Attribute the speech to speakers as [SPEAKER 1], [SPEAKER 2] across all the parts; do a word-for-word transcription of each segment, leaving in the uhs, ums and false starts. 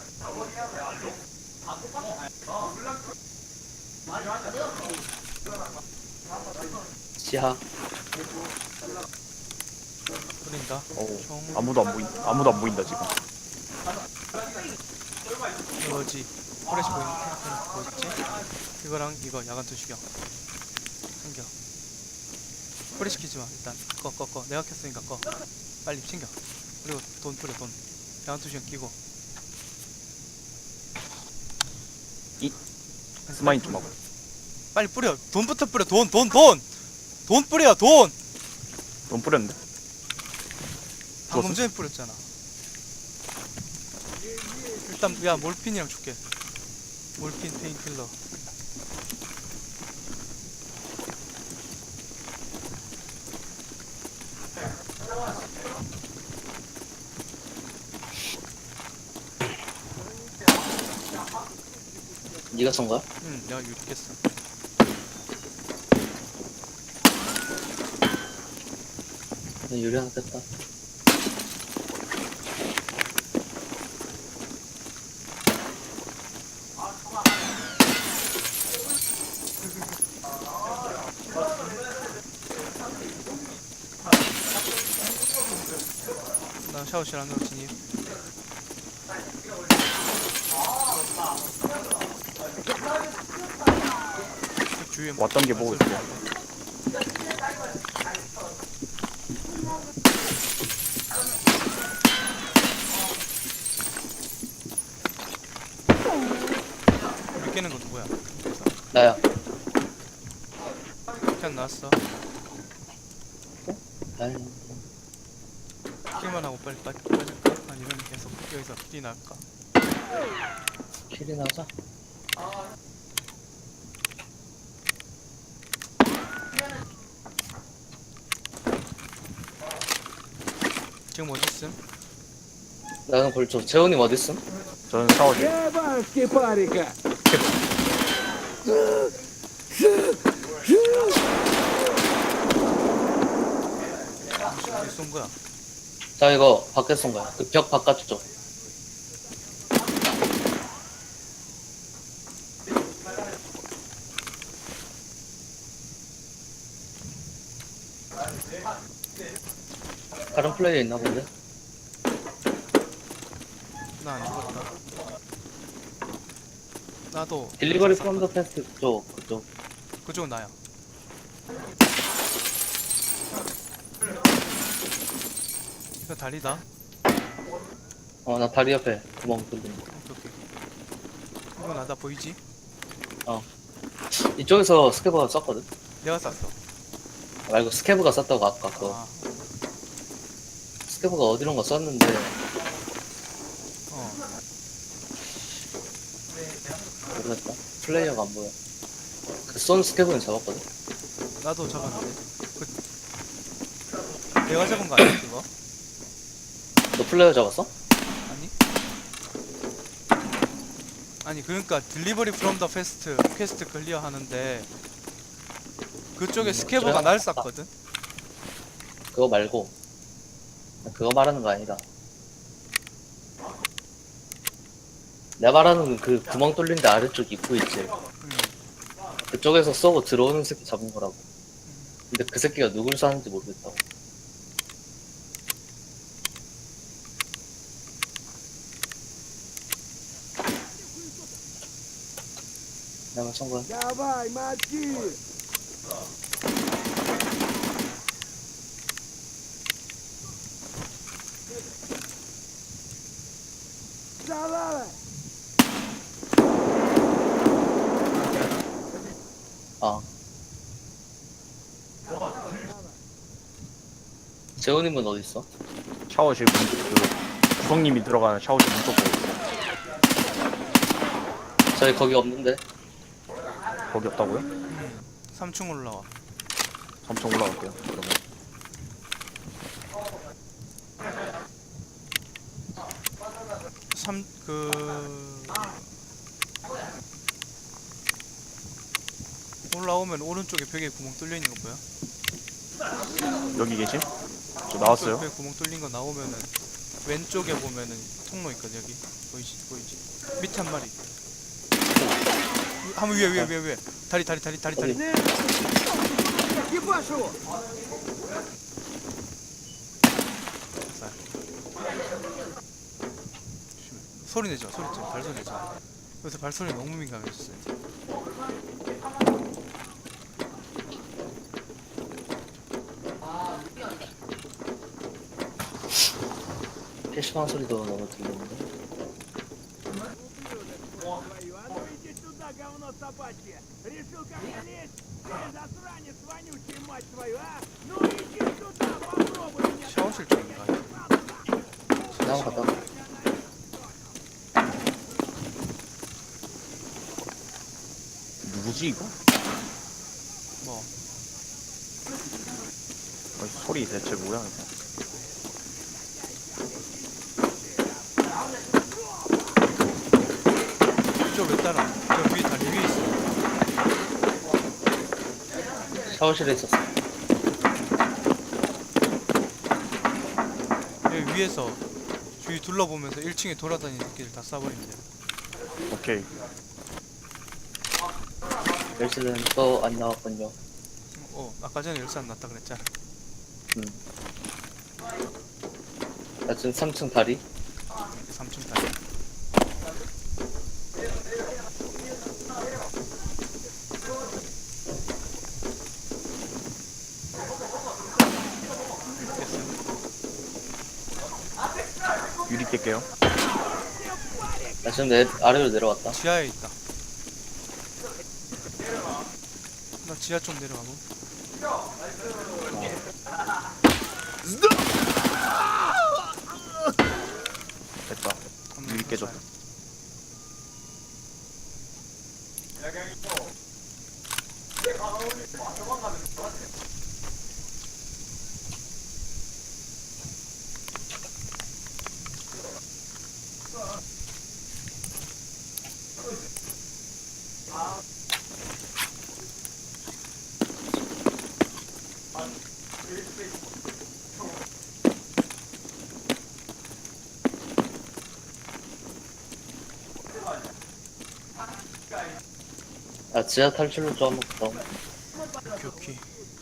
[SPEAKER 1] 지하.
[SPEAKER 2] 뿌린다.
[SPEAKER 3] 어,
[SPEAKER 2] 총
[SPEAKER 3] 아무도 안 보인 아무도 안 보인다 지금.
[SPEAKER 2] 이거지. 프레시 보이는 뭐였지? 이거랑 이거 야간 투시경 챙겨. 프레시 키지마. 일단 꺼 꺼 꺼. 내가 켰으니까 꺼. 빨리 챙겨. 그리고 돈 뿌려. 돈. 야간 투시경 끼고.
[SPEAKER 3] 스마인 좀 하고.
[SPEAKER 2] 빨리 뿌려. 돈부터 뿌려. 돈 돈 돈. 돈 뿌려. 돈.
[SPEAKER 3] 돈 뿌렸는데?
[SPEAKER 2] 방금 전에 뿌렸잖아. 일단 야 몰핀이랑 줄게. 몰핀 페인킬러.
[SPEAKER 1] 네가 쏜 거야?
[SPEAKER 2] 응, 내가 유리겠어.
[SPEAKER 1] 나 유리 하나 뺐다.
[SPEAKER 2] 나 샤워실 안으로 진입. 그 주위에
[SPEAKER 3] 왔던 게 보고 있어.
[SPEAKER 2] 우리 깨는 건 누구야?
[SPEAKER 1] 나야.
[SPEAKER 2] 그냥 나왔어.
[SPEAKER 1] 아이,
[SPEAKER 2] 킬만 하고 빨리 빨리 빠질까? 아니면 계속 여기서 뛰나갈까?
[SPEAKER 1] 킬이 나자.
[SPEAKER 2] 지금 어디 있음?
[SPEAKER 1] 나는 골조. 재훈님 어딨음?
[SPEAKER 3] 저는 샤워실.
[SPEAKER 4] Ебашки, парика!
[SPEAKER 2] 어디 쏜 거야?
[SPEAKER 1] 자, 이거 밖에 쏜 거야. 그 벽 바깥쪽. 다른 플레이어 있나 본데?
[SPEAKER 2] 나 안 죽었다. 나도
[SPEAKER 1] 딜리버리 프롬 더 패스트 쪽, 그쪽.
[SPEAKER 2] 그쪽은 나야. 이거 다리다.
[SPEAKER 1] 어, 나 다리 옆에 구멍 뚫린 거.
[SPEAKER 2] 오케이 오케이. 이거 나다 보이지?
[SPEAKER 1] 이쪽에서 스케브가 썼거든?
[SPEAKER 2] 내가 쐈어.
[SPEAKER 1] 말고 스케브가 썼다고 아까 그
[SPEAKER 2] 아,
[SPEAKER 1] 스케브가 어디론가 썼는데
[SPEAKER 2] 어.
[SPEAKER 1] 모르겠다. 플레이어가 안 보여. 그 쏜 스케브는 잡았거든?
[SPEAKER 2] 나도 잡았는데. 그 내가 잡은 거 아니야 그거?
[SPEAKER 1] 너 플레이어 잡았어?
[SPEAKER 2] 아니? 아니 그러니까 딜리버리 프롬 더 페스트 퀘스트 클리어 하는데 그쪽에
[SPEAKER 1] 음,
[SPEAKER 2] 스케브가
[SPEAKER 1] 그래?
[SPEAKER 2] 날 쐈거든?
[SPEAKER 1] 그거 말고 그거 말하는 거 아니다. 내가 말하는 건 그 구멍 뚫린 데 아래쪽 입구 있지.
[SPEAKER 2] 음.
[SPEAKER 1] 그쪽에서 쏘고 들어오는 새끼 잡은 거라고. 근데 그 새끼가 누굴 쐈는지 모르겠다고. 내가 쏜 거야.
[SPEAKER 4] Давай, мочи! Давай!
[SPEAKER 1] 아. 재훈님은 어디 있어?
[SPEAKER 3] 샤워실 문, 그 구성님이 들어가는 샤워실 문 쪽 보고 있어.
[SPEAKER 1] 저희 거기 없는데.
[SPEAKER 3] 거기 없다고요?
[SPEAKER 2] 삼 층 올라와.
[SPEAKER 3] 삼 층 올라갈게요. 그러면.
[SPEAKER 2] 삼 그 올라오면 오른쪽에 벽에 구멍 뚫려 있는 거 보여?
[SPEAKER 3] 여기 계심? 저 나왔어요.
[SPEAKER 2] 벽에 구멍 뚫린 거 나오면은 왼쪽에 보면은 통로 있거든. 여기 보이지 보이지 밑에 한 마리. 한번 위에 위에 위에 위에 다리 다리 다리 다리 다리.
[SPEAKER 1] 어디?
[SPEAKER 4] Экипаж его!
[SPEAKER 2] 자. 소리 내지 마 소리 좀 발소리 내지 마. 요새 발소리 너무 민감해졌어요.
[SPEAKER 1] 피시방 소리도 너무 들리는데.
[SPEAKER 4] Твою, а ну иди сюда, говно собачье! Решил ко мне лезть? Ты засранец вонючий, мать твою, а? Ну иди сюда, попробуй меня!
[SPEAKER 2] 샤워실 쪽인가?
[SPEAKER 1] 그냥 가다가
[SPEAKER 3] 누구지 이거?
[SPEAKER 2] 뭐
[SPEAKER 3] 어, 소리 대체 뭐야 이거?
[SPEAKER 2] 이쪽 왜 따라? 저 위에 다리 위에 있어.
[SPEAKER 1] 샤워실에 있었어.
[SPEAKER 2] 여기 위에서 주위 둘러보면서 일 층에 돌아다니는 새끼들 다 쏴버리면 돼.
[SPEAKER 3] 오케이.
[SPEAKER 1] 열쇠는 또 안 나왔군요.
[SPEAKER 2] 어 아까 전에 열쇠 안 났다 그랬잖아.
[SPEAKER 1] 음. 나 지금 삼 층 다리.
[SPEAKER 2] 삼 층 다리.
[SPEAKER 3] 유리 깰게요.
[SPEAKER 1] 나 지금 내 아래로 내려왔다.
[SPEAKER 2] 지하에 있다. 나 지하 좀 내려가고.
[SPEAKER 3] 됐다. 유리 깨졌다.
[SPEAKER 1] 아 지하 탈출로 좀 한번 갔다 오면.
[SPEAKER 2] 오케이 오케이.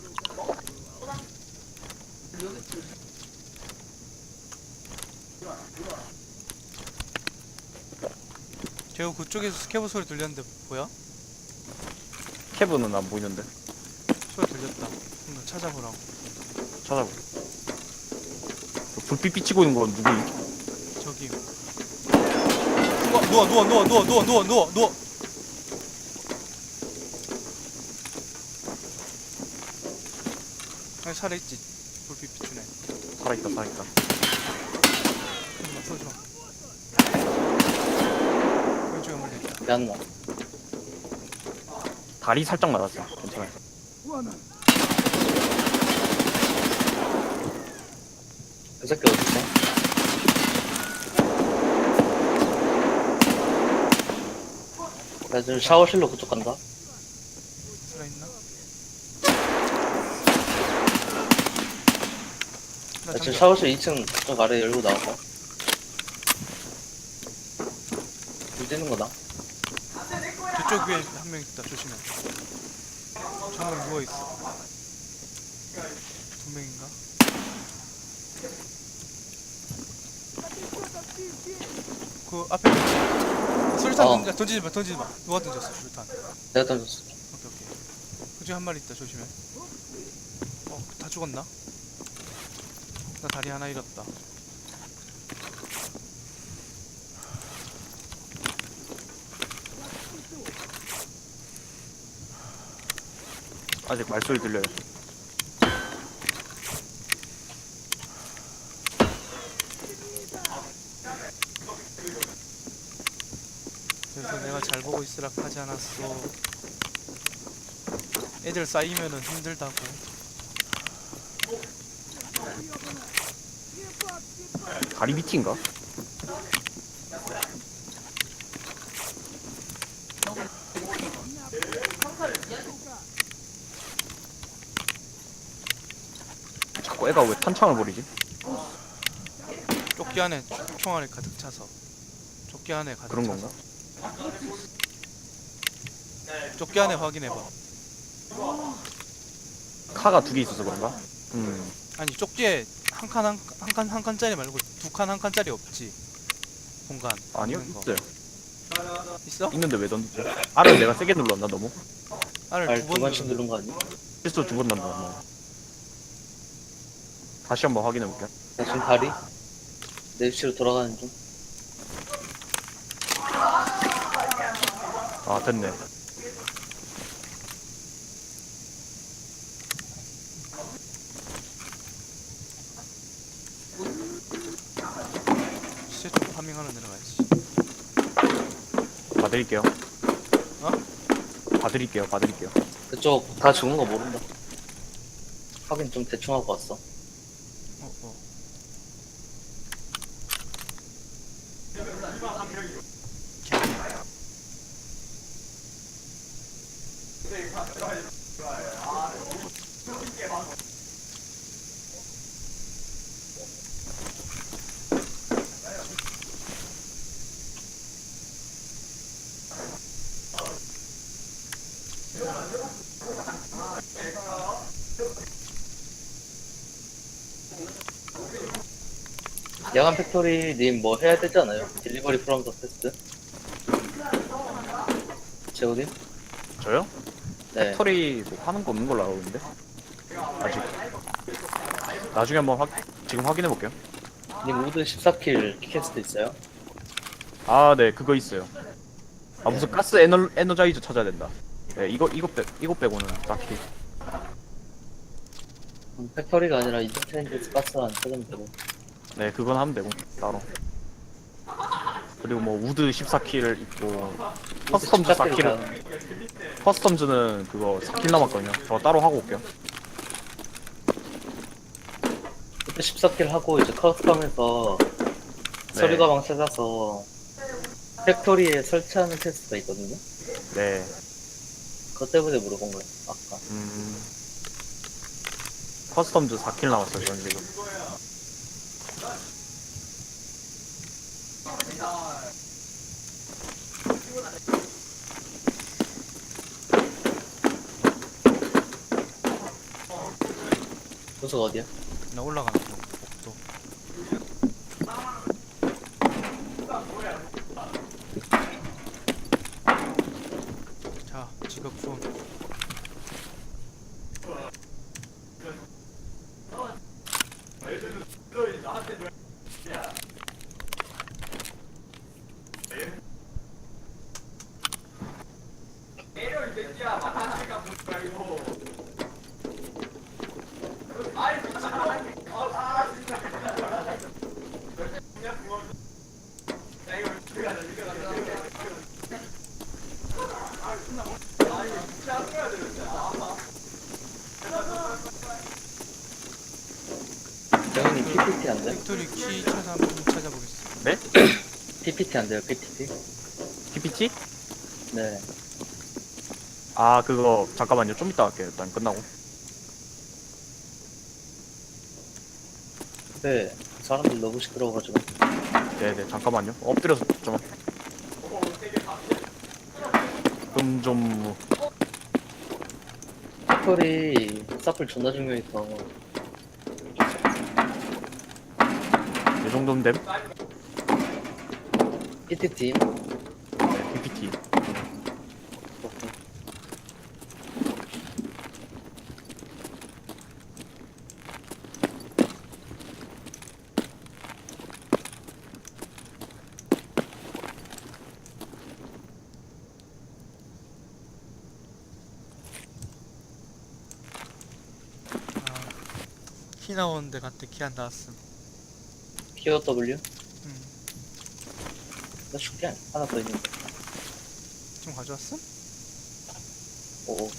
[SPEAKER 2] 제우 그쪽에서 스케브 소리 들렸는데 뭐야?
[SPEAKER 3] 캐브는 안 보이는데.
[SPEAKER 2] 소리 들렸다. 한번 찾아보라고.
[SPEAKER 3] 찾아보. 그 불빛 비치고 있는 건 누구임?
[SPEAKER 2] 저기. 누워 누워 누워 누워 누워 누워 누워 누워. 아니 살아있지. 불빛 비추네.
[SPEAKER 3] 살아있다 살아있다.
[SPEAKER 2] 잠깐만 쏘지 마. 왼쪽에 멀리 있다.
[SPEAKER 1] 미안나.
[SPEAKER 3] 다리 살짝 맞았어. 괜찮아요.
[SPEAKER 4] Вон он!
[SPEAKER 1] 그 새끼 어딨어? 나 지금 샤워실로 그쪽 간다.
[SPEAKER 2] 살아있나? 나
[SPEAKER 1] 나 지금
[SPEAKER 2] 잠겨.
[SPEAKER 1] 샤워실 이 층 그쪽 아래 열고 나왔다. 불 뛰는 거다.
[SPEAKER 2] 저쪽 위에 한 명 있다. 조심해. 저 한 명 누워있어. 두 명인가? 그 앞에 있지? 수류탄
[SPEAKER 1] 어.
[SPEAKER 2] 던지, 던지지 마, 던지지 마. 누가 던졌어, 수류탄?
[SPEAKER 1] 내가 던졌어.
[SPEAKER 2] 오케이, 오케이. 그중에 한 마리 있다, 조심해. 어, 다 죽었나? 나 다리 하나 잃었다.
[SPEAKER 3] 아직 말소리 들려요.
[SPEAKER 2] 그래서 내가 잘 보고 있으라 하지 않았어. 애들 쌓이면은 힘들다고.
[SPEAKER 3] 다리 밑인가? 자꾸 애가 왜 탄창을 버리지?
[SPEAKER 2] 조끼 조끼 안에 총- 총알이 가득 차서. 조끼 안에 가득
[SPEAKER 3] 그런
[SPEAKER 2] 차서.
[SPEAKER 3] 건가?
[SPEAKER 2] 조끼 안에 확인해봐.
[SPEAKER 3] 카가 두 개 있어서 그런가? 음
[SPEAKER 2] 아니 쪽지에 한 칸 한 한 칸 한 칸짜리 말고 두 칸 한 칸짜리 없지. 공간.
[SPEAKER 3] 아니요
[SPEAKER 2] 있는 거.
[SPEAKER 3] 있어요.
[SPEAKER 2] 있어?
[SPEAKER 3] 있는데 왜 던지지? R을 내가 세게 눌렀나 너무?
[SPEAKER 2] 알을
[SPEAKER 1] 알
[SPEAKER 2] 두
[SPEAKER 1] 두
[SPEAKER 2] 번
[SPEAKER 1] 번씩
[SPEAKER 2] 누르는.
[SPEAKER 1] 누른 거 아니야?
[SPEAKER 3] 실수 두 번 난다 뭐. 다시 한번 확인해 볼게요.
[SPEAKER 1] 나 지금 다리 내 위치로 돌아가는 중.
[SPEAKER 3] 아 됐네.
[SPEAKER 2] 시체 좀 파밍하러 내려가야지.
[SPEAKER 3] 봐드릴게요.
[SPEAKER 2] 어?
[SPEAKER 3] 봐드릴게요. 봐드릴게요.
[SPEAKER 1] 그쪽 다 죽은 거 모른다. 확인 좀 대충 하고 왔어.
[SPEAKER 2] 어 어.
[SPEAKER 1] 야간 팩토리 님 뭐 해야 되지 않아요? 딜리버리 프롬 더 테스트? 재호님?
[SPEAKER 3] 저요?
[SPEAKER 1] 네.
[SPEAKER 3] 팩토리 뭐 하는 거 없는 걸로 알고 있는데 아직. 나중에 한번 확 지금 확인해 볼게요.
[SPEAKER 1] 님 우드 십사 킬 키캐스트 있어요?
[SPEAKER 3] 아 네 그거 있어요. 아 무슨 가스 에너 에너자이저 찾아야 된다. 네 이거 이거 빼 이거 빼고는 딱히.
[SPEAKER 1] 음, 팩토리가 아니라 인터테인먼트 가스만 찾으면 되고.
[SPEAKER 3] 네 그건 하면 되고 따로. 그리고 뭐 우드 십사 킬을 있고 커스텀즈 사 킬을 커스텀즈는 그거 사 킬 남았거든요. 저 따로 하고 올게요.
[SPEAKER 1] 그때 십사 킬 하고 이제 커스텀에서
[SPEAKER 3] 네.
[SPEAKER 1] 서류 가방 찾아서 팩토리에 설치하는 테스트가 있거든요.
[SPEAKER 3] 네.
[SPEAKER 1] 그것 때문에 물어본 거예요. 아까.
[SPEAKER 3] 음. 커스텀즈 사 킬 남았어요. 저는 지금.
[SPEAKER 1] 도서가 어디야?
[SPEAKER 2] 나 올라가는 중. 복도. 자, 지각 수원.
[SPEAKER 1] 정현님 피피티 안 돼?
[SPEAKER 2] 팩토리 키 찾아 한번 찾아보겠습니다.
[SPEAKER 3] 네?
[SPEAKER 1] 피피티 안 돼요, 피피티?
[SPEAKER 3] 피피티?
[SPEAKER 1] 네.
[SPEAKER 3] 아 그거 잠깐만요. 좀 이따 할게요. 일단 끝나고.
[SPEAKER 1] 근데 사람들 너무 시끄러워가지고.
[SPEAKER 3] 네네 잠깐만요. 엎드려서 좀. 그럼 좀
[SPEAKER 1] 팩토리 사플 존나 중요해서
[SPEAKER 3] 이 정도면 됨?
[SPEAKER 1] 피티팀
[SPEAKER 3] 네, 피피티.
[SPEAKER 2] 아, 키 나오는데 갔대 키 안 나왔음.
[SPEAKER 1] 키오 더블유?
[SPEAKER 2] 음,
[SPEAKER 1] 나 죽게 아니 하나 더 있는데.
[SPEAKER 2] 지금 가져왔음?
[SPEAKER 1] 오오.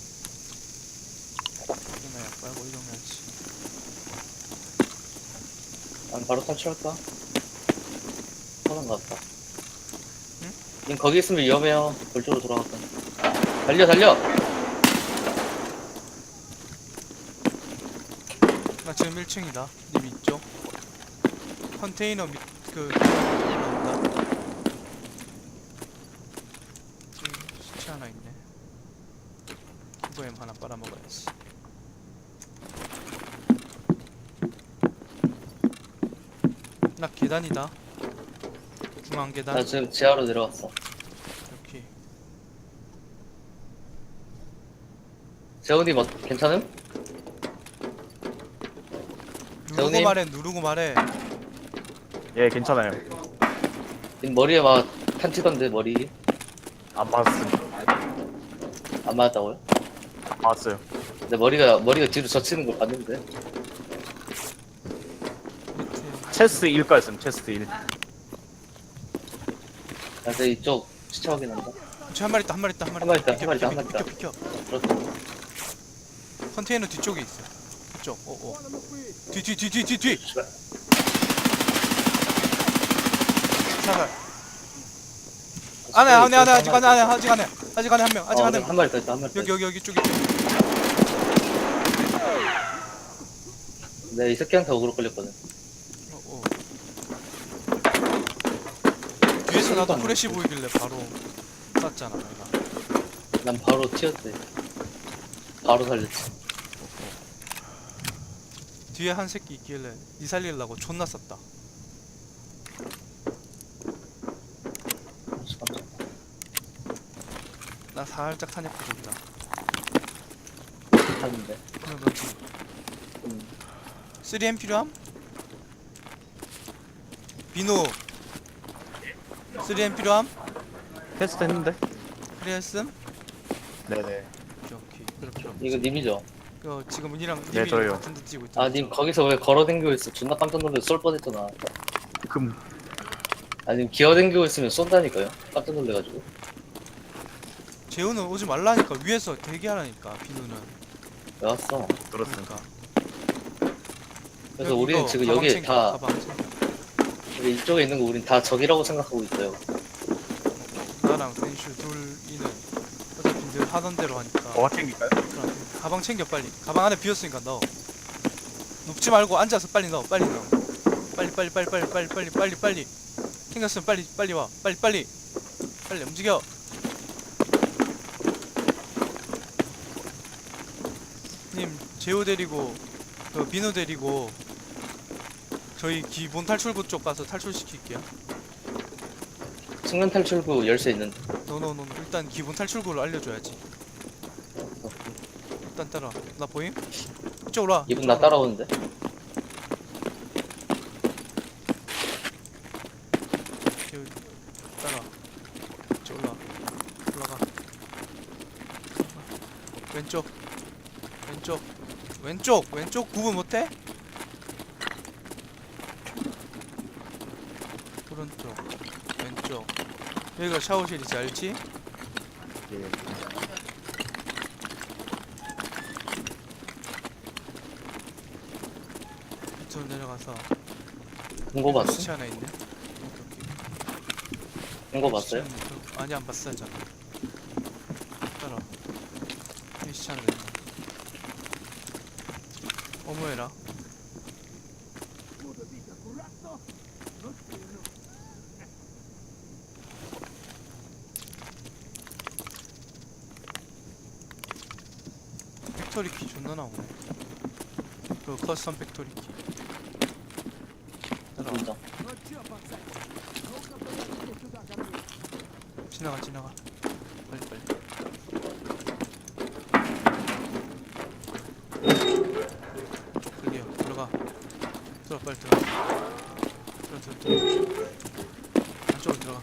[SPEAKER 2] 이거나 약 빨고 이동해야지.
[SPEAKER 1] 난 바로 탈출할까? 편한 것 같다.
[SPEAKER 2] 응?
[SPEAKER 1] 님 거기 있으면 위험해요. 그쪽으로 돌아갔다. 달려 달려!
[SPEAKER 2] 나 지금 일 층이다. 님 있죠? 컨테이너 밑, 그, 올라온다. 지금 시체 하나 있네. 이거엠 하나 빨아먹어야지. 나 계단이다. 중앙 계단.
[SPEAKER 1] 나 지금 지하로 내려왔어.
[SPEAKER 2] 이렇게.
[SPEAKER 1] 재훈이 뭐 괜찮음?
[SPEAKER 2] 누르고
[SPEAKER 1] 재훈님?
[SPEAKER 2] 말해, 누르고 말해.
[SPEAKER 3] 예, 괜찮아요.
[SPEAKER 1] 님 머리에 막 탄치던데 머리
[SPEAKER 3] 안 맞았습니다.
[SPEAKER 1] 안 맞았다고요?
[SPEAKER 3] 맞았어요.
[SPEAKER 1] 내 머리가 머리가 뒤로 젖히는 걸 봤는데.
[SPEAKER 2] 밑에.
[SPEAKER 3] 체스 일까였음, 체스 일.
[SPEAKER 1] 나 이제 이쪽 시체 확인한다.
[SPEAKER 2] 저한 마리 있다, 한 마리 있다, 한 마리
[SPEAKER 1] 한 마리 있다,
[SPEAKER 2] 비켜,
[SPEAKER 1] 한 마리 있다,
[SPEAKER 2] 비켜,
[SPEAKER 1] 한 마리
[SPEAKER 2] 비켜,
[SPEAKER 1] 있다.
[SPEAKER 2] 비켜.
[SPEAKER 1] 그렇다.
[SPEAKER 2] 컨테이너 뒤쪽에 있어. 뒤쪽. 오, 오.
[SPEAKER 4] Вон оно пыль.
[SPEAKER 2] 뒤, 뒤, 뒤, 뒤, 뒤, 뒤.
[SPEAKER 1] 씨발.
[SPEAKER 2] 사살. 안해, 안해, 안해, 아직 안해, 안해, 아직 안해, 아직 안해 한 명, 아직
[SPEAKER 1] 어,
[SPEAKER 2] 안해.
[SPEAKER 1] 한 마리 더 있다, 한 마리 더
[SPEAKER 2] 여기,
[SPEAKER 1] 있다.
[SPEAKER 2] 여기, 여기 쪽에.
[SPEAKER 1] 내 이 새끼한테 어그로 끌렸거든.
[SPEAKER 2] 어, 어. 뒤에서 나도 프레시 보이길래 바로 쐈잖아, 내가.
[SPEAKER 1] 난 바로 튀었대. 바로 살렸지.
[SPEAKER 2] 뒤에 한 새끼 있길래 니 살리려고 존나 쐈다.
[SPEAKER 1] 깜짝.
[SPEAKER 2] 나 살짝 탄약 부족이다.
[SPEAKER 1] 하는데.
[SPEAKER 2] 그럼 너지.
[SPEAKER 1] 음.
[SPEAKER 2] 쓰리 엠 필요함? 비누. 쓰리 엠 필요함?
[SPEAKER 3] 테스트 했는데?
[SPEAKER 2] 그랬음?
[SPEAKER 3] 네네.
[SPEAKER 2] 오케이, 오케이. 그럼 필요 없지.
[SPEAKER 1] 이거 님이죠?
[SPEAKER 2] 이거 지금 은이랑
[SPEAKER 3] 네,
[SPEAKER 2] 님이
[SPEAKER 3] 저예요.
[SPEAKER 2] 같은 데 뛰고 있잖아.
[SPEAKER 1] 아, 님 거기서 왜 걸어댕기고 있어? 존나 깜짝 놀라서 쏠 뻔했잖아.
[SPEAKER 3] 금,
[SPEAKER 1] 아니, 기어댕기고 있으면 쏜다니까요? 깜짝 놀래가지고.
[SPEAKER 2] 재우는 오지 말라니까. 위에서 대기하라니까. 비누는.
[SPEAKER 1] 왜 왔어?
[SPEAKER 3] 들었습니다.
[SPEAKER 2] 그러니까.
[SPEAKER 1] 그래서
[SPEAKER 2] 여기
[SPEAKER 1] 우리는
[SPEAKER 2] 이거
[SPEAKER 1] 지금
[SPEAKER 2] 가방
[SPEAKER 1] 여기
[SPEAKER 2] 챙겨,
[SPEAKER 1] 다,
[SPEAKER 2] 가방 챙겨.
[SPEAKER 1] 여기 이쪽에 있는 거 우린 다 적이라고 생각하고 있어요.
[SPEAKER 2] 나랑 벤슈 둘이는 어차피 늘 하던 대로 하니까.
[SPEAKER 3] 뭐가 챙길까요?
[SPEAKER 2] 그럼 가방 챙겨 빨리. 가방 안에 비었으니까 넣어. 눕지 말고 앉아서 빨리 넣어. 빨리 넣어. 빨리 빨리 빨리 빨리 빨리 빨리 빨리 빨리. 챙겼으면 빨리 빨리 와. 빨리 빨리. 빨리 움직여. 님 재호 데리고 그 민호 데리고 저희 기본 탈출구 쪽 가서 탈출시킬게요.
[SPEAKER 1] 측면 탈출구 열쇠 있는.
[SPEAKER 2] 노노노 일단 기본 탈출구를 알려줘야지. 일단 따라. 나 보임? 이쪽으로 와.
[SPEAKER 1] 이분 나
[SPEAKER 2] 이쪽으로 와.
[SPEAKER 1] 따라오는데?
[SPEAKER 2] 여기 따라. 이쪽 올라. 올라가. 왼쪽. 왼쪽. 왼쪽. 왼쪽 구분 못해? 오른쪽. 왼쪽. 여기가 샤워실이지 알지?
[SPEAKER 3] 예.
[SPEAKER 2] 밑으로 내려가서
[SPEAKER 1] 본거 봤어?
[SPEAKER 2] 시체 하나 있네. 오케이, 오케이.
[SPEAKER 1] 본거 봤어요?
[SPEAKER 2] 시체는 그- 아니 안 봤어요 저는. 따라. 이 시체 하나 있네. 어머해라.
[SPEAKER 4] Буду бить аккуратно, но сильно.
[SPEAKER 2] 팩토리 키 존나 나오네. 그 커스텀 팩토리 키. 따라와.
[SPEAKER 1] 인정.
[SPEAKER 4] Ну чё, пацан? Ну-ка, подойдите сюда ко мне.
[SPEAKER 2] 지나가 지나가. 빨리 빨리. 여기요. 들어가. 들어 빨리 들어가. 들어 들어 들어. 안쪽으로 들어가.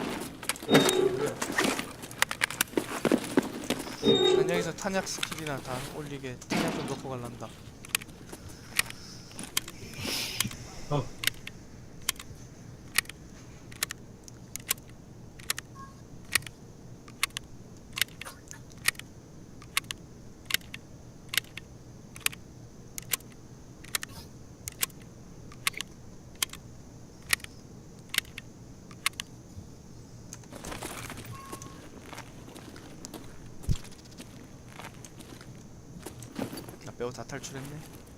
[SPEAKER 2] 난 여기서 탄약 스킬이나 다 올리게 탄약 좀 넣고 갈란다. 나 빼고 다 탈출했네.